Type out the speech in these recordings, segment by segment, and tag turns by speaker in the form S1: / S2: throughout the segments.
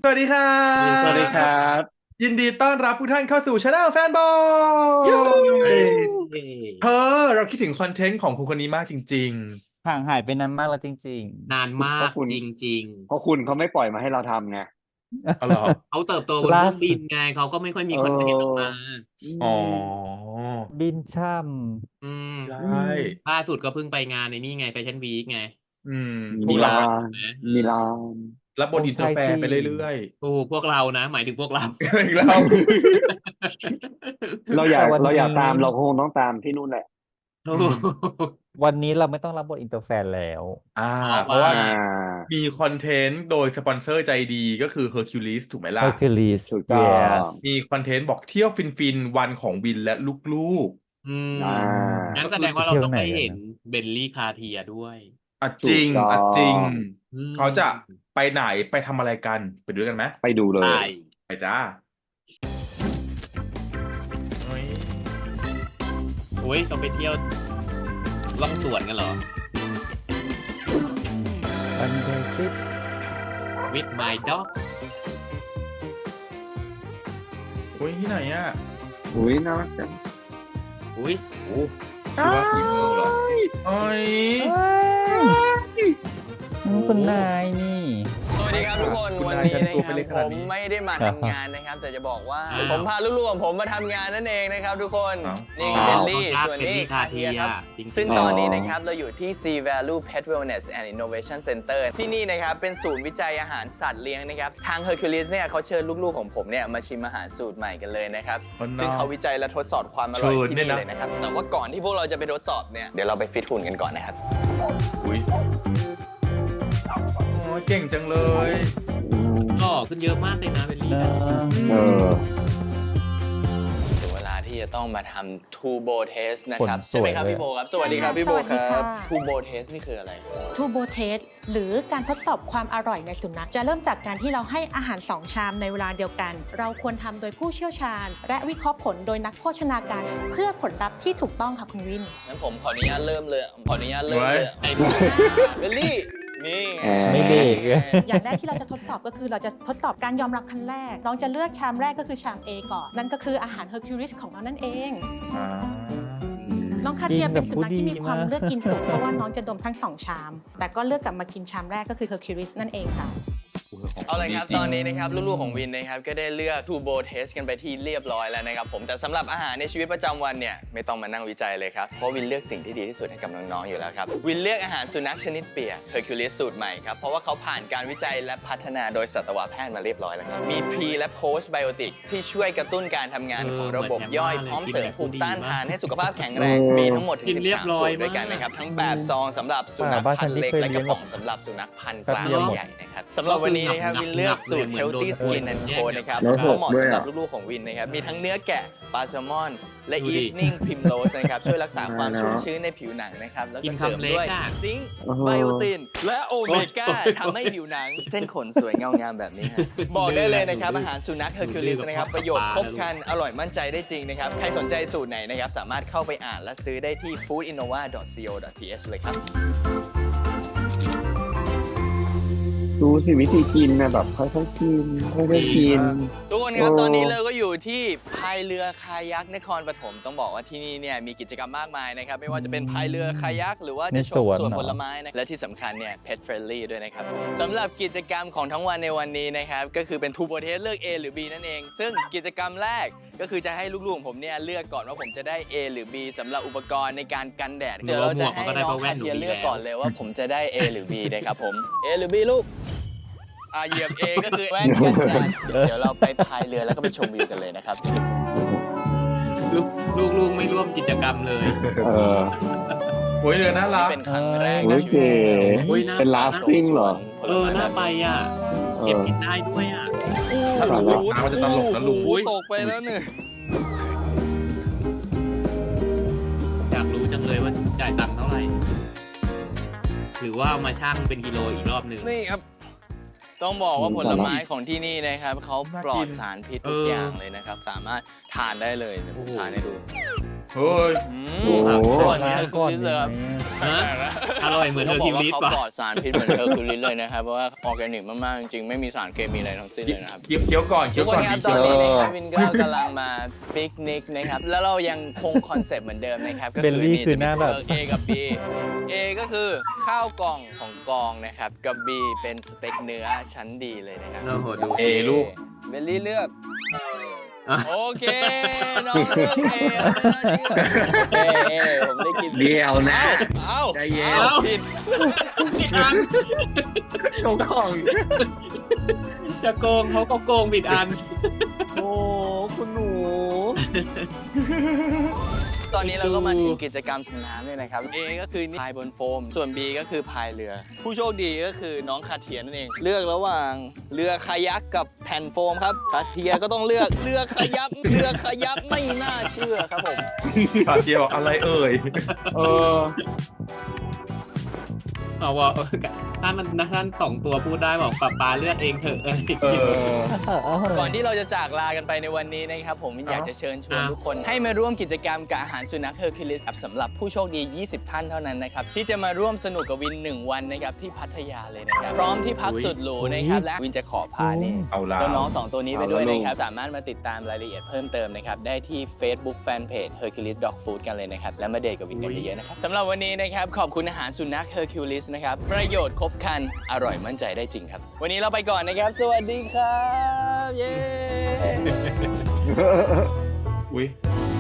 S1: สวัสดีครั
S2: สวัสดีค
S1: บ
S2: รับ
S1: ยินดีต้อนรับทุกท่านเข้าสู่ช anel แฟนบอ
S2: ยู
S1: ยเธอเราคิดถึงคอนเทนต์ของคุณคนนี้มากจริง
S3: ห่างหายไปนานมากแล้วจริง
S4: นานมาก
S2: เพราะคุณ
S4: จริง
S2: เพราะคุณเขาไม่ปล่อยมาให้เราทำไง
S1: ๆอ๋อเหรอ
S4: ๆเขาเติบโตบนเครื่องบิ
S3: ๆล่าสุด
S4: นไงเขาก็ไม่ค่อย
S2: เ
S4: มีคอนเทนต์ออก
S2: ออ
S4: มา
S2: อื
S1: อ๋อ
S2: ม
S3: บินช่
S4: อืม
S1: ใช
S2: อืม่
S4: ล่าสุดก็เพิ่งไปงานในนี่ไงแฟชั่นวีคไง
S1: อืมพว
S2: มิ
S1: กเรา
S4: มิลาน
S2: ลาน
S4: นะ
S2: มิลาน
S1: รับบ
S3: โอ้
S1: ทอินเตอ
S3: ใช่สิ
S1: ร์แฟร์ไปเรื่อย
S4: โอ้พวกเรานะหมายถึงพวกเรา
S1: ๆอีกแล้ว
S2: เราอ
S3: แต่
S2: ยาก
S3: วันนี้
S2: เราอยากตามเราคงต้องตามที่นู่นแหละ
S4: โอ้
S1: อืม
S3: วันนี้เราไม่ต้องรับบทอินเตอร์แฟนแล้ว
S1: อ่า
S4: เพราะว่า
S1: เพราะว่า
S2: อ่า
S1: มีคอนเทนต์โดยสปอนเซอร์ใจดีก็คือ Hercules ถูกไหมล่ะ
S3: Hercules
S2: ถูกต้อง
S3: yes
S1: มีคอนเทนต์บอกเที่ยวฟินๆวันของวินและลูก
S4: อืม
S2: อ่า
S4: งั้น
S1: ๆก็คือ
S4: แสดงว่าเรา
S3: ไปเที่ยว
S4: ต้องได้เห็น
S3: ไหนกันนะ
S4: เบลลี่คาเทียด้วย
S1: อ่ะจ
S2: ถูก
S1: ริง
S2: ต้อ
S1: อ่ะจริง
S2: ง
S4: อื
S1: เขาจะ
S4: ม
S1: ไปไหนไปทำอะไรกันไปดูด้วยกันไหม
S2: ไปดูเล
S4: ไป
S2: ย
S1: ไปจ้าโอ้ย
S4: โอ้ยต้องไปเที่ยวล่องสวนกันเหรอ
S3: วันเดย์ทริป
S4: with my dog
S1: โอ้ยที่ไหนอ่ะ
S2: อุ้ยน่ารักจัง
S4: อุ้ย
S1: โอ้คือว่าสีเมืองเหรอโอ้ย
S3: คุณนายนี่
S5: สวัสดีครับทุกคน
S1: คุณ
S5: วัน
S1: นาย
S5: นี้
S1: ฉัน
S5: นะ
S1: ตัว
S5: ค
S1: ไป
S5: รับ
S1: เล็กข
S5: ผ
S1: นาด
S5: ม
S1: นี้
S5: ไม่ได้มาทำงานนะครับ แต่จะบอกว่าผมพาลูกๆของผมมาทำงานนั่นเองนะครับทุกคน นี่
S4: อ๋อ
S5: เบลลี่
S4: ครับ
S5: ส่วน
S4: เบล
S5: นี้
S4: ลี่คา
S5: คา
S4: เที
S5: เที
S4: ย
S5: ยครับ
S4: จริงๆ
S5: ซึ่งตอนนี้นะครับเราอยู่ที่ Sea Value Pet Wellness and Innovation Center ที่นี่นะครับเป็นศูนย์วิจัยอาหารสัตว์เลี้ยงนะครับทาง Hercules เนี่ยเขาเชิญลูกๆของผมเนี่ยมาชิมอาหารสูตรใหม่กันเลยนะครับ
S1: อ๋อเนอะ
S5: ซึ่งเขาวิจัยและทดสอบความอร่อย
S1: เชิญ
S5: ที่
S1: เนี่
S5: นี่
S1: ยนะ
S5: เลยนะครับแต่ว่าก่อนที่พวกเราจะไปทดสอบเนี่ยเดี๋ยวเราไปฟิตหุ่นกันก่อนนะครับ
S1: อุ้ยโอ้ยเก่งจังเลย
S4: หล่อขึ้นเยอะมากเลยนะเบลลี่
S3: นะ
S2: เออ
S5: ถึงเวลาที่จะต้องมาทำ Turbo Test นะครับใช่ไหมครับพี่โบครับสวัสดีครับพี่โบ
S6: สวัส
S5: ค
S6: ดี
S5: รั
S6: ค่ะ
S5: บ Turbo Test นี่คืออะไร
S6: ทูโบเทสหรือการทดสอบความอร่อยในสุนัขจะเริ่มจากการที่เราให้อาหาร 2 ชามในเวลาเดียวกัน เราควรทำโดยผู้เชี่ยวชาญ และวิเคราะห์ผลโดยนักโภชนาการเพื่อผลลัพธ์ที่ถูกต้องค่ะคุณวิน
S5: งั้นผมขออนุญาตเริ่มเลยขออนุญาตเริ่มเลย
S4: ไอ้
S5: เบลลี่นี่ไง
S3: ไม่เด็ก
S6: อย่างแรกที่เราจะทดสอบก็คือเราจะทดสอบการยอมรับขั้นแรก น้องจะเลือกชามแรกก็คือชาม A ก่อน นั่นก็คืออาหาร Hercules ของเรานั่นเอง
S1: อ่า
S6: น้องคาเทีย
S3: กินแบ
S6: เป็
S3: บ
S6: นสุนัขที่มีความ
S3: ผู้ดีมาก
S6: เลือกกินสูงเพราะว่าน้องจะดมทั้ง 2 ชาม แต่ก็เลือกกลับมากินชามแรกก็คือ Hercules นั่นเองค่ะ
S5: เอาเลยครับ
S1: ดีจริง
S5: ตอนนี้นะครับลูกๆของวินนะครับก็ได้เลือก Turbo Test กันไปที่เรียบร้อยแล้วนะครับผมแต่สำหรับอาหารในชีวิตประจำวันเนี่ยไม่ต้องมานั่งวิจัยเลยครับเพราะวินเลือกสิ่งที่ดีที่สุดให้กับน้องๆอยู่แล้วครับวินเลือกอาหารสุนัขชนิดเปียก Hercules สูตรใหม่ครับเพราะว่าเขาผ่านการวิจัยและพัฒนาโดยสัตวแพทย์มาเรียบร้อยแล้วครับมี Pre และ Post Biotic ที่ช่วยกระตุ้นการทำงานของระบบย่อยพร้อมเสริมภูมิต้านทานให้สุขภาพแข็งแรงมีทั้งหมดถึง
S4: กินเรียบ
S5: 13
S4: ร้อ
S5: สู
S4: ย
S5: ตรด้วยกันนะครับทั้งแบบซองสำหรับสุนัข
S3: บ้านฉั
S5: พั
S3: น
S5: นธุ์
S3: นี่
S5: เล็ก
S3: เคย
S5: และ
S3: เลี้
S5: ก
S3: ย
S5: ระ
S3: ง
S5: ป๋องสำหรับสุนัขพันธุ์ก
S3: แป๊บ
S5: ลาง
S3: เดียวหมด
S5: ใหญ่นะครับสำหรับวันนี้นะครับวินเลือกสูตร Healthy Skin and Co นะครับ
S2: แล้ว
S5: เพราะเหมาะ
S2: ด้วย
S5: สำห
S2: อ่ะ
S5: รับลูกๆของวินนะครับมีทั้งเนื้อแกะปลาแซลมอน และ
S4: ดูดิ
S5: Evening Primrose นะครับช่วยรักษาความ
S2: เนอะ
S5: ชุ่มชื้นในผิวหนังนะครับแล้ว
S4: กิ
S5: ก็
S4: น
S5: เสริม
S4: คำเล็ก
S5: ด้วย
S4: อะ
S5: ซิงค์
S2: โอ้โห
S5: ไบโอตินและโอเมก้า
S4: โอ้ย
S5: ทำให้ผิวหนัง เส้นขนสวยเงางามแบบนี้ฮะบอกได้เลยนะครับอาหารสุนัข Hercules นะครับประโยชน์ครบครันอร่อยมั่นใจได้จริงนะครับใครสนใจสูตรไหนนะครับสามารถเข้าไปอ่านและซื้อได้ที่ foodinnova.co.th เลยครับ
S2: ดูสิวิธีกินนะแบบค่อยๆกินค่อยๆกิน
S5: ทุกคนครับ
S2: โอ้
S5: ตอนนี้เราก็อยู่ที่พายเรือคายักนครปฐมต้องบอกว่าที่นี่เนี่ยมีกิจกรรมมากมายนะครับไม่ว่าจะเป็นพายเรือคายักหรือว่าจะชม
S3: ในสวน
S5: สวน
S3: เหรอ
S5: ผลไม้นะและที่สำคัญเนี่ย pet friendly ด้วยนะครับสำหรับกิจกรรมของทั้งวันในวันนี้นะครับก็คือเป็น Turbo Test เลือก A หรือ B นั่นเอง ซึ่งกิจกรรมแรกก็คือจะให้ลูกๆของผมเนี่ยเลือกก่อนว่าผมจะได้ A หรือ B สำหรับอุปกรณ์ในการกันแดดเดี๋ยวเราจะให้น้องคาเทียเลือกก่อนเลยว่าผมจะได้ A หรือ B นะครับผม A หรือ B ลูก เหยียบ A ก็คือแว่นกันแดดเดี๋ยวเราไปพายเรือแล้วก็ไปชมวิวกันเลยนะครับ
S4: ลูกไม่ร่วมกิจกรรมเลย
S2: เออ
S1: โอ้ยเรือน่ารัก
S5: เป็นครั้งแรก
S2: โอ้
S5: ใน
S2: ย
S5: ชีวิ
S2: เก๋
S5: ต
S4: โอ้ยน่า
S2: เป็น lasting เหรอ
S4: น่าไปอ่ะเก็บกินได้ด้วยอ่ะ
S1: ถ้าหลุดน้ำมันจะตลกนะลุง
S5: โอ้ยตกไปแล้วเนี่ย
S4: อยากรู้จังเลยว่าจ่ายตังค์เท่าไหร่ หรือว่าเอามาชั่งเป็นกิโลอีกรอบหนึ่ง
S5: นี่ครับ ต้องบอกว่าผลไม้ของที่นี่นะครับเขาปลอดสารพิษทุกอย่างเลยนะครับ สามารถทานได้เลยเดี๋ยวผมทานให้ดู
S1: เฮ้ย
S2: โอ้โห
S5: ส่วน
S3: ล้าง
S5: เฮอร์
S3: ก่
S5: คิ
S3: อน
S5: วลิส
S3: ดี
S5: เลย
S3: ไหม
S5: ครับ
S3: อะ
S4: ฮะอร่อยเหมือนเฮอร์คิวลิส
S5: เขา
S4: ป่ะ
S5: ปลอดสารพิษเหมือนเฮอร์คิวลิสเลยนะครับ เพราะว่าออร์แกนิกมากๆ จริงๆ ไม่มีสารเคมีอะไรทั้งสิ้นเลยนะครับ
S1: เคี้ยวก่อนเคี้
S5: ทุ
S1: ยว
S5: กค
S1: ก่อน น
S5: ครับ
S1: พี่
S5: ตอน
S1: เคี้ยว
S5: นี้นะครับวินก็กำลังมาปิกนิกนะครับ แล้วเรายังคงคอนเซปต์เหมือนเดิมนะครับ ก็
S3: เบลลี่
S5: นี่
S3: คือ
S5: จะ
S3: ห
S5: มี
S3: น้า
S5: ตัว
S3: แบบ
S5: เลือก A กับ B A ก็คือข้าวกล่องของกองนะครับ กับ B เป็นสเต็กเนื้อชั้นดีเลยนะครับ
S4: โอ้โหดู
S1: เอลูก
S5: เบลลี่เลือก
S4: อ่ะ
S5: โอเค น้องเลือกเอไม่น่าเชื่อผมได้กิน
S2: เดี๋ยวนะ
S5: เอ้า
S2: ใจเย็น
S5: อ้าผิด
S4: ผิดอัน
S2: ตรงของ
S4: จะโกงเขาก็โกงผิดอัน
S2: โอ้คุณหนู
S5: ตอนนี้เราก็มาถึงกิจกรรมสำน้ำเลยนะครับ A ก็คือพายบนโฟม ส่วน B ก็คือพายเรือ ผู้โชคดีก็คือน้องคาเทียนั่นเอง เลือกระหว่างเรือคายักกับแผ่นโฟมครับ คาเทียก็ต้องเลือกเรือคายักเรือคายักไม่น่าเชื่อครับผม
S1: ขาเทียบอกอะไรเอ่ย
S2: เออ
S4: เอาว่าท่านสองตัวพูดได้บอกป๊าเลือกเองเถอะอะไรอย่าง
S1: เอ
S4: เงี้ย
S1: อ
S5: ก่อนที่เราจะจากลากันไปในวันนี้นะครับผมอยากจะเชิญชวนทุกคนให้มาร่วมกิจกรรมกับอาหารสุนัขเฮอร์คิวลิสสำหรับผู้โชคดี 20 ท่านเท่านั้นนะครับที่จะมาร่วมสนุกกับวิน 1 วันนะครับที่พัทยาเลยนะครับพร้อมที่พักสุดหรูนะครับและวินจะขอพานี่
S1: เอาละ
S5: น้องๆ2ตัวนี้ไปด้วยนะครับสามารถมาติดตามรายละเอียดเพิ่มเติมนะครับได้ที่ Facebook Fanpage Hercules Dog Food กันเลยนะครับและมาเดทกับวินกันเยอะๆนะครับสำหรับวันนี้นะครับขอบคุณอาหารสุนัข Hercules นะครับประโยชน์ครบครันอร่อยมั่นใจได้จริงครับวันนี้เราไปก่อนนะครับสวัสดีครับเย้
S1: อุ้ย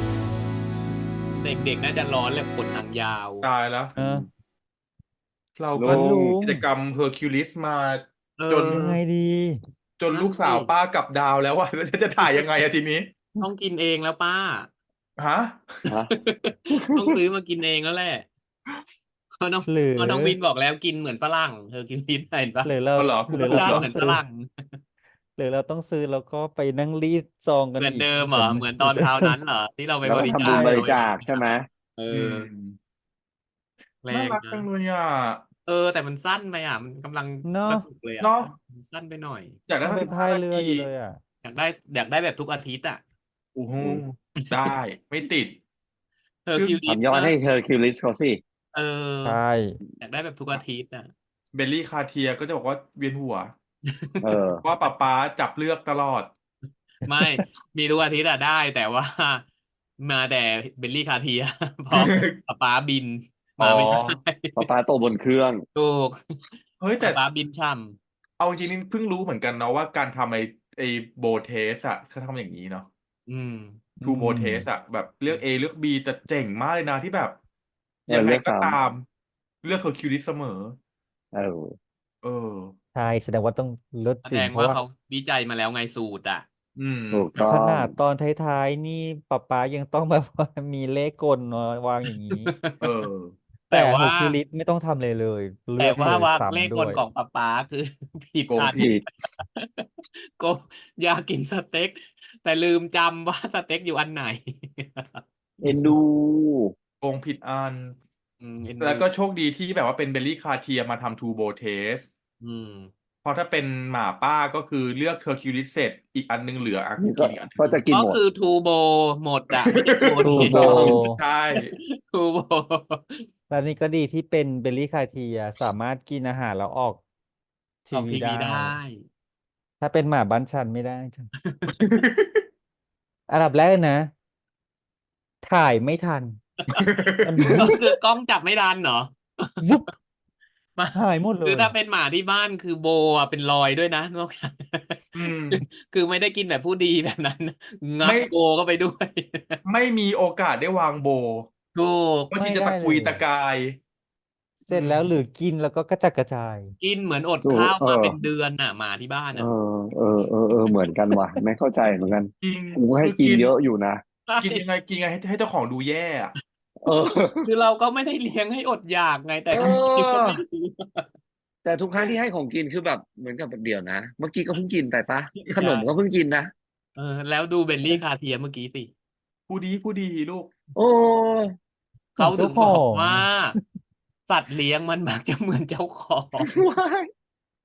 S4: เด็กๆน่าจะร้อนเลยขนหนังยาว
S1: ตายแล้ว
S3: เออ
S1: เราก็
S3: ลุง
S1: กิจกรรมเฮอร์คิวลิสมา
S4: เออ
S1: จน
S3: ยังไงดี
S1: จนลูกสาวป้ากลับดาวแล้วว่าแล้วจะถ่ายยังไงอะทีนี้
S4: ต้องกินเองแล้วป้า
S1: ฮะ
S2: ฮะ
S4: ต้องซื้อมากินเองแล้วแหละเขาน้อง
S3: หรือ
S4: เขาน้องวินบอกแล้วกินเหมือนฝรั่งเธอกินพิษเห็นปะ
S3: หรือเรา
S1: เอาเหรอ
S3: หรือ
S4: รส
S3: เรา
S4: ชาติ
S3: ต้อง
S4: เหมือนฝ
S3: ซื้อ
S4: รั่ง
S3: หรือเราต้องซื้อแล้วก็ไปนั่งรีดซองกัน
S4: เหมือน
S3: อีก
S4: เดิมเหรอเหมือนตอนคราวนั้นเหรอที่เราไป
S2: แล้ว
S4: บ
S2: ก็
S4: ริ
S2: ทำ
S4: จา
S2: บุญ
S4: ค
S2: บริจาคใช่ไหม
S4: เอ
S1: อื
S4: อ
S1: ม
S4: แร
S1: น่าง รักจั
S4: นะ
S1: งเลยอ่ะ
S4: แต่มันสั้นไปอ่ะมันกำลัง
S3: เนาะ
S4: สนุกเลยอ่ะ
S1: เนาะ
S4: มันสั้นไปหน่อย
S1: อยากได้
S3: มัน
S1: สั
S3: ไป
S1: ก
S3: พาย
S1: 15
S3: เรือ
S1: นา
S3: อยู่
S1: ที
S3: เลยอ่ะ
S4: อยากได้แบบทุกอาทิตย์อ่ะ
S1: โอ้โหได้ไม่ติด
S4: เธอคิวลิส
S2: ทำยอดให้เธอคิวลิสเขาสิ
S4: เออ
S3: ใช่
S4: อยากได้แบบทุกอาทิตย์อ่ะ
S1: เบลลี่คาเทียก็จะบอกว่าเวียนหัว
S2: เออ
S1: ว่าป๊าจับเลือกตลอด
S4: ไม่มีทุกอาทิตย์อะได้ แต่ว่า มาแต่เบลลี่คาเทีย เพราะป๊าบินมาไม่ได้
S2: ป้าโตบนเครื่อง
S4: ถูก
S1: เฮ้ยแต่
S4: ป๊าบินช่
S1: เอาจริงๆนี่เพิ่งรู้เหมือนกันเนาะว่าการทำไอโบเทสอะเขาทำอย่างนี้เนาะ
S4: ำอืม
S1: ทูโบเทสอะแบบเลือก A เลือก B แต่เจ๋งมากเลยนะที่แบบ
S2: เออ
S1: ยังไง
S2: เลือก
S1: ก็
S2: ซ้ำ
S1: ตาม เลือกเฮอร์คิวลิสเสมอ
S2: เออ
S1: เออ
S3: ใช่แสดงว่าต้องเลิศ
S4: แส
S3: จริ
S4: ด
S3: ง
S4: ง
S3: เพ
S4: ว่า
S3: ราะว่า
S4: เขาวิจัยมาแล้วไงสูตรอ่ะ
S1: อืม
S2: ถูกต้อง
S3: ขนาดตอนท้ายๆนี่ป๊ายังต้องแบบว่ามีเลขกลเนาะวางอย่างนี้
S1: เออ
S4: แต่
S3: แต่
S4: ว่า
S3: เฮอร์คิวลิสไม่ต้องทำเลยเลย เลื
S4: แต่
S3: อก
S4: ว่า
S3: เลย
S4: ว่า
S3: ซ้ำ
S4: เลข
S3: ด้
S4: ก
S3: ว
S4: ล
S3: ย
S4: ของป๊าคือ ผิด
S1: โกง
S4: อัน
S2: ผิด
S4: ก็อยากกินสเต็ก แต่ลืมจำว่าสเต็กอยู่อันไหน
S2: เอ็นดู
S1: โกงผิดอัน
S4: เอ็น
S1: แล้ว
S4: ดู
S1: ก็โชคดีที่แบบว่าเป็นเบลลี่คาเทียมาทำทูโบเทส
S4: อืม
S1: เพราะถ้าเป็นหมาป้าก็คือเลือกเฮอร์คิวลิสเสร็จอีกอันนึงเหลืออ่ะ
S2: นี่
S1: กิ
S2: ก็
S1: นอีกอันนึง
S2: ก็จะกิน
S4: ก็
S2: หมด
S4: คือทูโบหมดอ่ะไม่ได้โบ
S3: ทู
S4: เท
S3: โบ
S1: ใช่
S4: ทูโบ
S3: แล้วนี่ก็ดีที่เป็นเบลลี่คาเทียสามารถกินอาหารแล้วออกที
S4: ออก
S3: วี
S4: ทีวี
S3: ได้
S4: ได้
S3: ถ้าเป็นหมาบ้านฉันไม่ได้จ้ะ อันดับแรกเลยนะ ถ่ายไม่ทัน มัน
S4: ก็คือกล้องจับไม่ทันเหรอ
S3: วุบ
S4: มา
S3: หายหมดเล
S4: คือย ถ้าเป็นหมาที่บ้านคือโบอ่ะเป็นรอยด้วยนะนอกจาก
S1: อืม
S4: คือไม่ได้กินแบบผู้ดีแบบนั้นนะงั
S1: ไม่
S4: บโบก็ไปด้วย
S1: ไม่มีโอกาสได้วางโบ
S4: ถูก
S1: บางที
S3: ไม่
S1: จะ
S3: ได้
S1: ตะกุย
S3: เลย
S1: ตะกาย
S3: เสร็จแล้วหรือกินแล้วก็กระจัดกระจาย
S4: กินเหมือนอด
S2: ถูก
S4: ข้าวมา
S2: เออ
S4: เป็นเดือนน่ะหมาที่บ้าน
S2: เอ
S4: อ่ะ
S2: เหมือนกันว่ะ ไม่เข้าใจเหมือนกัน
S1: จริง
S2: กูให้
S1: คือ
S2: กินเยอะอยู่นะ
S1: กินยังไงกินยังไงให้เจ้าของดูแย่อะ
S2: เออ
S4: คือเราก็ไม่ได้เลี้ยงให้อดอยากไงแต่
S2: เอ
S4: เขากินก็
S2: อ
S4: ไม่รู้
S2: แต่ทุกครั้งที่ให้ของกินคือแบบเหมือนกับแบบเดี๋ยวนะ เมื่อกี้ก็เพิ่งกินไปปะขนมก็เพิ่งกินนะ
S4: แล้วดูเบลลี่คาเทียเมื่อกี้สิ
S1: ผู้ดีลูก
S2: โอ้
S4: เขาถึงบอก
S3: เจ้าของ
S4: ว่า สัตว์เลี้ยงมันมักจะเหมือนเจ้าของ
S2: ว้าย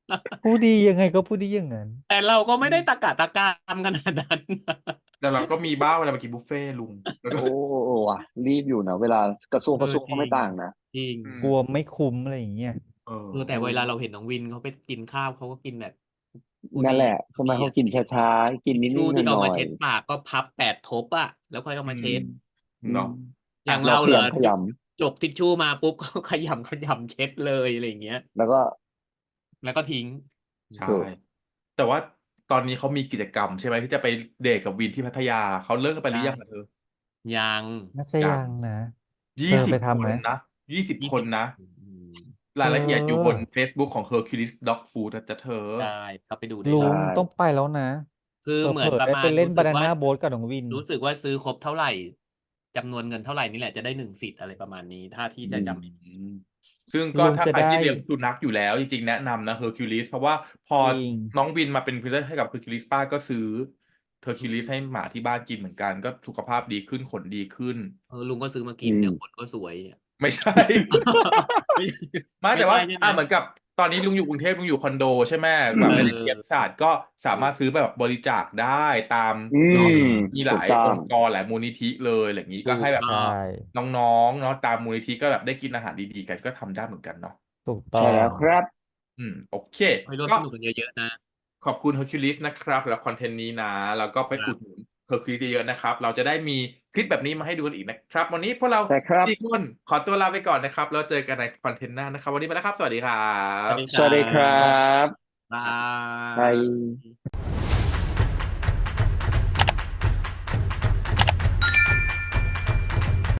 S3: ผู้ดียังไงก็ผู้ดีอย่างนั้น
S4: แต่เราก็ไม่ได้ตะกะตะกามขนาดนั้น
S1: แต่เราก็มีบ้างเวลาไปกินบุฟเฟ่ต์ลุงแล้วก็
S2: โอ้โอ้ว่ะรีบอยู่นะเวลากระทรวง
S4: เออ
S2: ก็ไม่ต่างนะ
S4: จริง
S1: อืม
S3: กลัวไม่คุ้มอะไรอย่างเงี้ย
S4: แต่เวลาเราเห็นน้องวินเขาไปกินข้าวเขาก็กินแบบผู้
S2: นั่น
S4: ดี
S2: แหละใช่ไหม
S4: ดี
S2: เขา
S4: อะ
S2: กินช้าๆกินนิด
S4: ชูที่
S2: ๆห
S4: เอา
S2: น่
S4: มา
S2: อย
S4: เช็ดปากก็พับ8 ทบอะแล้วค่อยเอามาเช็ด
S2: ๆ
S1: เนาะ
S4: อย่าง
S2: เรา
S4: เราเหรอ
S2: ขยำ
S4: จบทิชชู่มาปุ๊บ ก็ขยำเช็ดเลยอะไรอย่างเงี้ย
S2: แล้วก็
S4: แล้วก็ทิ้ง
S1: ใช่
S2: ถูก
S1: แต่ว่าตอนนี้เขามีกิจกรรมใช่ไหมที่จะไปเดทกับวินที่พัทยาเขาเลิกกันไปหรือยังอะเธอ
S4: ยัง
S3: น่าจะ
S1: ยั
S3: ยัง งนะ
S1: ยี่
S3: เธอ
S1: สิ
S3: ไป
S1: บ
S3: ทำ
S1: ค
S3: ไหม
S1: นนะ20 คนนะ
S4: อืม
S1: รายละเอียดอยู่บน
S3: เออ
S1: Facebook ของ Hercules Dog Food นะจ๊ะเธอ
S4: ได้เข้าไปดูได้
S3: ลุ
S4: เล
S3: ง
S4: ย
S2: ใช่
S3: ต้องไปแล้วนะ
S4: คือเหมือน
S3: เผลอ
S4: ประ
S3: ๆได้
S4: มา
S3: ไป
S4: ณ
S3: เล่น
S4: รู้
S3: บา
S4: สึก
S3: นา
S4: ว่า
S3: น่าโบ๊ทกับน้องวิน
S4: รู้สึกว่าซื้อครบเท่าไหร่จำนวนเงินเท่าไหร่นี่แหละจะได้1 สิทธิ์อะไรประมาณนี้ ถ้าที่จะจำไม่ผิด
S1: ซึ่งก็
S3: ลุง
S1: ถ้า
S3: จะ
S1: ใครที่
S3: ได้
S1: เลี้ยงสุนัขอยู่แล้วจริงๆแนะนำนะ Hercules เพราะว่าพอ
S3: จริง
S1: น้องวินมาเป็นพรีเซนเตอร์ให้กับ Hercules ป้าก็ซื้อ Hercules ให้หมาที่บ้านกินเหมือนกัน ก็สุขภาพดีขึ้นขนดีขึ้น
S4: ลุงก็ซื้อมากินเนี่ยขนก็สวยเนี่ย
S1: ไม่ใช่
S4: ไม่
S1: ไม่แต่ว่า
S4: ใช่ไหม
S1: เหมือนกับตอนนี้ลุงอยู่กรุงเทพลุงอยู่คอนโดใช่ไหมแบบ
S4: เออ
S1: ในวิทยาศาสตร์ก็สามารถซื้อแบบบริจาคได้ตาม
S2: อื
S1: เนาะ
S2: ม
S1: มีห
S2: ถู
S1: ลาก ย
S2: ต้อ
S1: อง งค์กรหลายมูลนิธิเลยอะไรอย่างนี้ก็
S4: ถูก
S1: ให้แบบ
S4: ต้
S3: ใช่
S4: อง
S1: น้องๆเนาะตามมูลนิธิก็แบบได้กินอาหารดีๆกันก็ทำได้เหมือนกันเนาะ
S3: ถูกต้อ
S2: ใช่แล้ว
S3: ง
S2: ครับ
S1: โอเค
S4: ให้ร่วม
S1: ก็
S4: สนุกกันเยอะๆนะ
S1: ขอบคุณ Hercules นะครับแล้วคอนเทนต์นี้นะ แล้วก็ไป
S4: ครั
S1: อุ
S4: บ
S1: ดหนุน Hercules เยอะๆนะครับ เราจะได้มีคลิปแบบนี้มาให้ดูกันอีกนะครับ วันนี้พวกเรา
S2: ใช่ครับ
S1: 4 คนขอตัวลาไปก่อนนะครับ แล้วเจอกันในคอนเทนต์หน้านะครับ วันนี้ไปแล้วครับ สวัสดีครั
S4: สวั
S1: บ
S4: สดีค
S2: สวัสดีครับ
S4: บา
S2: บาย
S4: ย